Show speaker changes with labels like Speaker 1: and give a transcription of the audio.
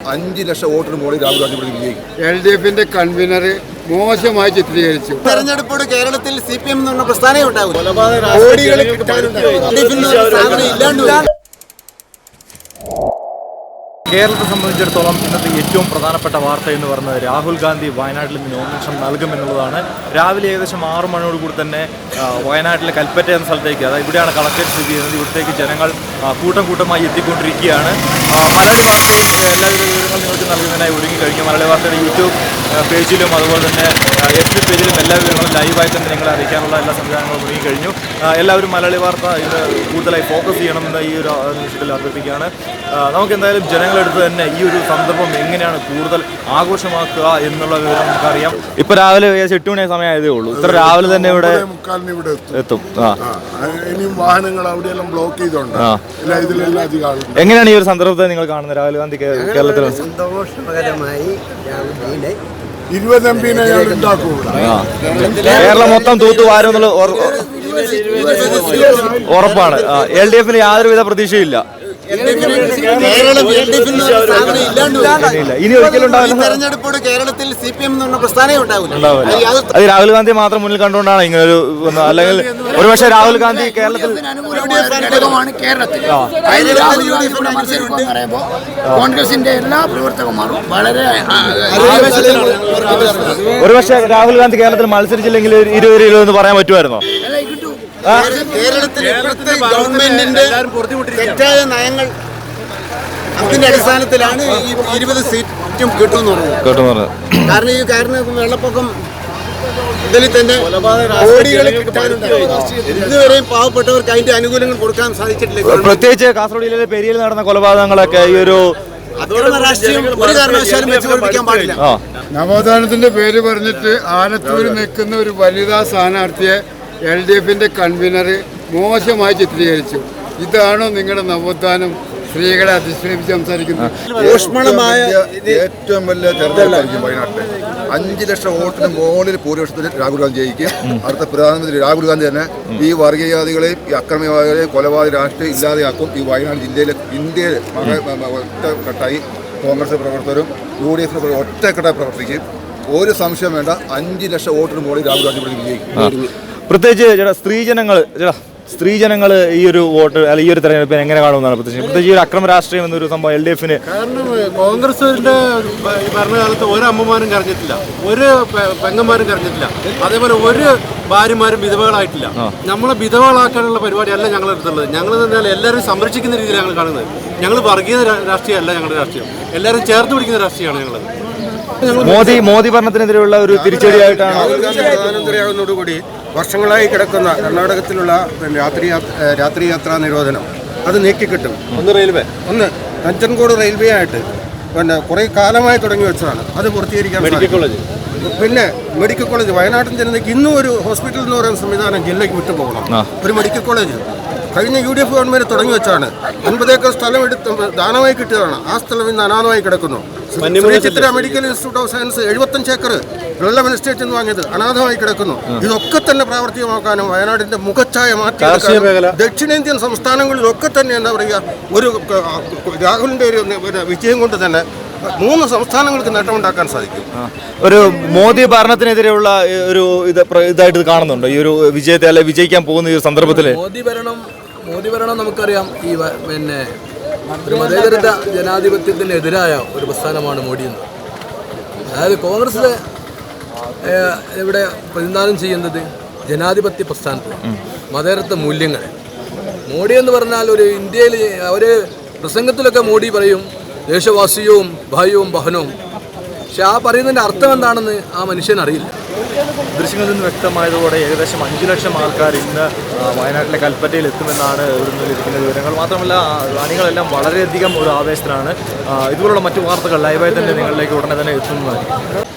Speaker 1: 5 ലക്ഷം വോട്ടിന് മുകളിൽ രാഹുൽ ഗാന്ധി വിജയിക്കും.
Speaker 2: LDF-ന്റെ കൺവീനർ മോശമായി ചിത്രീകരിച്ചു.
Speaker 3: തെരഞ്ഞെടുപ്പോട് കേരളത്തിൽ CPM എന്ന് പറഞ്ഞ പ്രസ്ഥാനമേ ഉണ്ടാവും.
Speaker 4: കേരളത്തെ സംബന്ധിച്ചിടത്തോളം ഇന്നത്തെ ഏറ്റവും പ്രധാനപ്പെട്ട വാർത്ത എന്ന് പറയുന്നത് രാഹുൽ ഗാന്ധി വയനാട്ടിൽ നിന്ന് നോമിനേഷൻ നൽകുമെന്നുള്ളതാണ്. രാവിലെ ഏകദേശം 6 മണിയോടുകൂടി തന്നെ വയനാട്ടിലെ കൽപ്പറ്റ എന്ന സ്ഥലത്തേക്ക്, അതായത് ഇവിടെയാണ് കളക്ടറേറ്റ് സ്ഥിതി ചെയ്യുന്നത്, ഇവിടത്തേക്ക് ജനങ്ങൾ കൂട്ടമായി എത്തിക്കൊണ്ടിരിക്കുകയാണ്. മലയാളി വാർത്തയും എല്ലാവിധ വിവരങ്ങൾ നിങ്ങൾക്ക് നൽകുന്നതിനായി ഒരുങ്ങിക്കഴിഞ്ഞു. മലയാളി വാർത്തയുടെ യൂട്യൂബ് പേജിലും അതുപോലെ തന്നെ FB പേജിലും എല്ലാ വിവരങ്ങളും ലൈവായി തന്നെ നിങ്ങളെ അറിയിക്കാനുള്ള എല്ലാ സംവിധാനങ്ങളും ഒരുങ്ങിക്കഴിഞ്ഞു. എല്ലാവരും മലയാളി വാർത്ത ഇത് കൂടുതലായി ഫോക്കസ് ചെയ്യണമെന്ന് ഈ ഒരു നിമിഷത്തിൽ അഭ്യർത്ഥിക്കുകയാണ്. നമുക്ക് എന്തായാലും ജനങ്ങളെടുത്ത് തന്നെ ഈ ഒരു സന്ദർഭം എങ്ങനെയാണ് കൂടുതൽ ആഘോഷമാക്കുക എന്നുള്ള വിവരം നമുക്കറിയാം. ഇപ്പൊ രാവിലെ 8 മണി സമയമായതേ ഉള്ളൂ. ഇത്ര രാവിലെ തന്നെ ഇവിടെ എത്തും.
Speaker 1: ഇനിയും വാഹനങ്ങൾ അവിടെയെല്ലാം ബ്ലോക്ക് ചെയ്തോണ്ട്
Speaker 4: എങ്ങനെയാണ് ഈ ഒരു സന്ദർഭത്തെ നിങ്ങൾ കാണുന്നത്? രാഹുൽ ഗാന്ധി കേരളത്തിൽ
Speaker 3: സന്തോഷകരമായി
Speaker 4: കേരളം മൊത്തം തൂത്തുവാരും എന്നുള്ള ഉറപ്പാണ്. LDF-ന് യാതൊരുവിധ പ്രതീക്ഷയില്ല. ഇനി ഒരിക്കലും
Speaker 3: തെരഞ്ഞെടുപ്പോട് കേരളത്തിൽ CPM എന്ന് പറഞ്ഞ പ്രസ്ഥാനമേ ഉണ്ടാവില്ല.
Speaker 4: അത് രാഹുൽ ഗാന്ധി മാത്രം മുന്നിൽ കണ്ടുകൊണ്ടാണ് ഇങ്ങനെ ഒരു, അല്ലെങ്കിൽ ഒരുപക്ഷെ രാഹുൽ ഗാന്ധി കേരളത്തിൽ
Speaker 5: കോൺഗ്രസിന്റെ എല്ലാ പ്രവർത്തകന്മാരും വളരെ
Speaker 4: ഒരുപക്ഷെ രാഹുൽ ഗാന്ധി കേരളത്തിൽ മത്സരിച്ചില്ലെങ്കിൽ 20 എന്ന് പറയാൻ പറ്റുമായിരുന്നോ?
Speaker 3: കേരളത്തിൽ ഗവൺമെന്റിന്റെ തെറ്റായ നയങ്ങൾ അതിന്റെ അടിസ്ഥാനത്തിലാണ് ഈ 20 സീറ്റും കിട്ടുമെന്ന് പറയുന്നത്. കാരണം വെള്ളപ്പൊക്കം ഇതിൽ തന്നെ കോടികൾ ഇതുവരെയും പാവപ്പെട്ടവർക്ക് അതിന്റെ ആനുകൂല്യങ്ങൾ കൊടുക്കാൻ സാധിച്ചിട്ടില്ല.
Speaker 4: പ്രത്യേകിച്ച് കാസർഗോഡ് ജില്ലയിലെ പെരിയയിൽ നടന്ന കൊലപാതകങ്ങളൊക്കെ ഈ ഒരു
Speaker 3: രാഷ്ട്രീയം ഒരു കാരണവശാലും മെച്ചപ്പെടുത്താൻ പാടില്ല.
Speaker 2: നവോത്ഥാനത്തിന്റെ പേര് പറഞ്ഞിട്ട് ആലത്തൂരിൽ നിൽക്കുന്ന ഒരു വനിതാ സ്ഥാനാർത്ഥിയെ LDF-ന്റെ കൺവീനർ മോശമായി ചിത്രീകരിച്ചു. ഇതാണോ നിങ്ങളുടെ നവോത്ഥാനം? സ്ത്രീകളെ അധിക്ഷേപിച്ച് സംസാരിക്കുന്നത്
Speaker 1: ഊഷ്മളമായ ഏറ്റവും വലിയ തെരഞ്ഞെടുപ്പായിരിക്കും വയനാട്ടിൽ. 5 ലക്ഷം വോട്ടിന് മുകളിൽ ഭൂരിപക്ഷത്തിൽ രാഹുൽ ഗാന്ധി ജയിക്കും. അടുത്ത പ്രധാനമന്ത്രി രാഹുൽ ഗാന്ധി തന്നെ ഈ വർഗീയവാദികളെയും ഈ അക്രമവാദികളെയും കൊലപാതക രാഷ്ട്രീയം ഇല്ലാതെയാക്കും. ഈ വയനാട് ജില്ലയിലെ ഇന്ത്യയിൽ ഒറ്റക്കെട്ടായി കോൺഗ്രസ് പ്രവർത്തകരും UDF ഒറ്റക്കെട്ടായി പ്രവർത്തിക്കും. ഒരു സംശയം വേണ്ട, 5 ലക്ഷം വോട്ടിന് മുകളിൽ രാഹുൽ ഗാന്ധി വിജയിക്കും.
Speaker 4: പ്രത്യേകിച്ച് സ്ത്രീജനങ്ങൾ ഈ ഒരു വോട്ട് അല്ലെങ്കിൽ ഈ ഒരു തെരഞ്ഞെടുപ്പിന് എങ്ങനെ കാണുമെന്നാണ് പ്രത്യേകിച്ച് ഈ ഒരു അക്രമ രാഷ്ട്രീയം എന്നൊരു സംഭവം LDF-ന്?
Speaker 6: കാരണം കോൺഗ്രസിന്റെ ഭരണകാലത്ത് ഒരു അമ്മമാരും കരഞ്ഞിട്ടില്ല, ഒരു പെങ്ങന്മാരും കരഞ്ഞിട്ടില്ല, അതേപോലെ ഒരു ഭാര്യമാരും വിധവകളായിട്ടില്ല. നമ്മളെ വിധവകളാക്കാനുള്ള പരിപാടിയല്ല ഞങ്ങളുടെ അടുത്തുള്ളത്. ഞങ്ങൾ എന്നാൽ എല്ലാവരും സംരക്ഷിക്കുന്ന രീതിയിൽ ഞങ്ങൾ കാണുന്നത്. ഞങ്ങൾ വർഗീയ രാഷ്ട്രീയമല്ല ഞങ്ങളുടെ രാഷ്ട്രീയം, എല്ലാവരും ചേർത്ത് പിടിക്കുന്ന രാഷ്ട്രീയമാണ് ഞങ്ങളത്.
Speaker 4: മോദി ഭരണത്തിനെതിരെയുള്ള ഒരു തിരിച്ചടിയായിട്ടാണ്
Speaker 7: പ്രധാനമന്ത്രിയാകുന്നതോടുകൂടി വർഷങ്ങളായി കിടക്കുന്ന കർണാടകത്തിലുള്ള രാത്രി യാത്രാ നിരോധനം അത് നീക്കിക്കിട്ടും. ഒന്ന് നഞ്ചൻകോട് റെയിൽവേ ആയിട്ട് കുറേ കാലമായി തുടങ്ങി വെച്ചതാണ്, അത് പൂർത്തീകരിക്കാൻ. പിന്നെ മെഡിക്കൽ കോളേജ്, വയനാട്ടിൽ ജനതയ്ക്ക് ഇന്നും ഒരു ഹോസ്പിറ്റൽ എന്ന് പറയുന്ന സംവിധാനം ജില്ലയ്ക്ക് വിട്ടുപോകണം. ഒരു മെഡിക്കൽ കോളേജ് കഴിഞ്ഞ UDF ഗവൺമെന്റ് തുടങ്ങി വെച്ചാണ്. 50 ഏക്കർ സ്ഥലം എടുത്ത് ദാനമായി കിട്ടിയതാണ്. ആ സ്ഥലം ഇന്ന് അനാഥമായി കിടക്കുന്നു. Chitra medical institute of science 75 acre വെള്ളം എസ്റ്റേറ്റ് എന്ന് വാങ്ങിയത് അനാഥമായി കിടക്കുന്നു. ഇതൊക്കെ തന്നെ പ്രാവർത്തികമാക്കാനും വയനാടിന്റെ മുഖച്ഛായ മാറ്റി ദക്ഷിണേന്ത്യൻ സംസ്ഥാനങ്ങളിലൊക്കെ തന്നെ എന്താ പറയുക, ഒരു രാഹുലിന്റെ ഒരു വിജയം കൊണ്ട് തന്നെ 3 സംസ്ഥാനങ്ങൾക്ക് നേട്ടമുണ്ടാക്കാൻ സാധിക്കും.
Speaker 4: ഒരു മോദി ഭരണത്തിനെതിരെയുള്ള ഒരു ഇതായിട്ട് കാണുന്നുണ്ടോ ഈ ഒരു വിജയത്തെ, അല്ലെ വിജയിക്കാൻ പോകുന്ന ഈ സന്ദർഭത്തിൽ?
Speaker 8: മോദി ഭരണം നമുക്കറിയാം, ഈ മതേതരത്വ ജനാധിപത്യത്തിനെതിരായ ഒരു പ്രസ്ഥാനമാണ് മോഡി എന്ന്. അതായത് കോൺഗ്രസ് ഇവിടെ പ്രതിനിധാനം ചെയ്യുന്നത് ജനാധിപത്യ പ്രസ്ഥാനത്തിൽ മതേതരത്വ മൂല്യങ്ങൾ. മോഡി എന്ന് പറഞ്ഞാൽ ഒരു ഇന്ത്യയിൽ ഒരു പ്രസംഗത്തിലൊക്കെ മോഡി പറയും ദേശവാസിയവും ഭാര്യവും ബഹനവും, പക്ഷെ ആ പറയുന്നതിൻ്റെ അർത്ഥം എന്താണെന്ന് ആ മനുഷ്യനറിയില്ല.
Speaker 4: ദൃശ്യങ്ങളിൽ നിന്ന് വ്യക്തമായതോടെ ഏകദേശം 5 ലക്ഷം ആൾക്കാർ ഇന്ന് വയനാട്ടിലെ കൽപ്പറ്റയിൽ എത്തുമെന്നാണ് ഇവിടുന്ന് ലഭിക്കുന്ന വിവരങ്ങൾ. മാത്രമല്ല അണികളെല്ലാം വളരെയധികം ഒരു ആവേശത്തിലാണ്. ഇതുപോലുള്ള മറ്റു വാർത്തകൾ ലൈവായി തന്നെ നിങ്ങളിലേക്ക് ഉടനെ തന്നെ എത്തുന്നതായിരിക്കും.